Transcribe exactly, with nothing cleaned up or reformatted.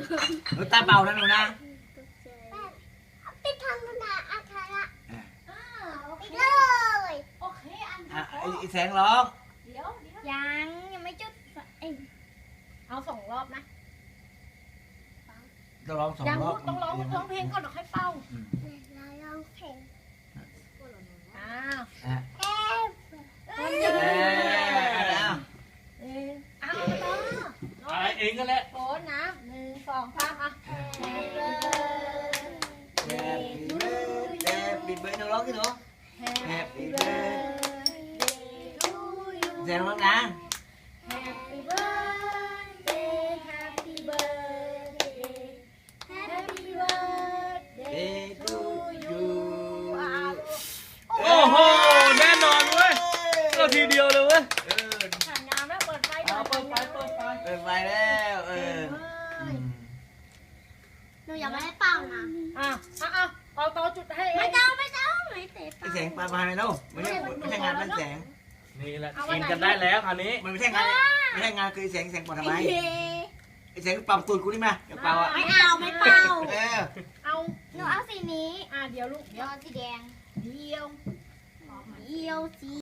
หนูตาเบานะหนูนะไปทำนาอาคาระอ่าโอเคเลยโอเคอันอ่ะที่ไอ้ไอ้แสงร้องเดี๋ยวเดี๋ยวยังยังไม่จุดเอ้ยเอาสองรอบนะต้องร้องสองยังรอบต้องร้องร้องเพลงก่อนเดี๋ยวค่อยเป่าอืมเราลองเพลงอ้าวอ่ะเอ๊ะเอ้ยเอ้ยเอาเอ้ยอ้าวต่ออะไรเองก็แหละโฟนนะหนึ่งสองสามอ่ะ Happy birthday Happy birthday หนูร้องที่หนู Happy birthday แสงร้องนะ Happy birthday Happy birthday Happy birthday Day to you โอ้โหแน่นอนเว้ยก็ทีเดียวเลยเว้ยเออถ่ายงามแล้วเปิดไฟหน่เอาอยเปิดไฟเปิดไฟเปิดไฟแล้วเอออืมหนูยังไม่ได้เป่านะอ่ะอ่ะอ่ะเอาต่อจุดให้เอไม่งต้องไม่ต้องไม่เตะไอ้แสงปลาปลาไหนเล่าไม่ใช่ไม่ใช่งานมันแสงนี่แหละกินกันได้แล้วคราวนี้มันไม่ใช่งานไม่ใช่งานคือไอ้แสงแสงปลาทำไมไอ้แสงเป่าตูดกูนี่มาอย่าเป่าอ่ะไม่เอาไม่เป่าเออเอาหนูเอาสีนี้อ่ะเดี๋ยวลูกเดี๋ยวเอาสีแดงเดียวเดียวสี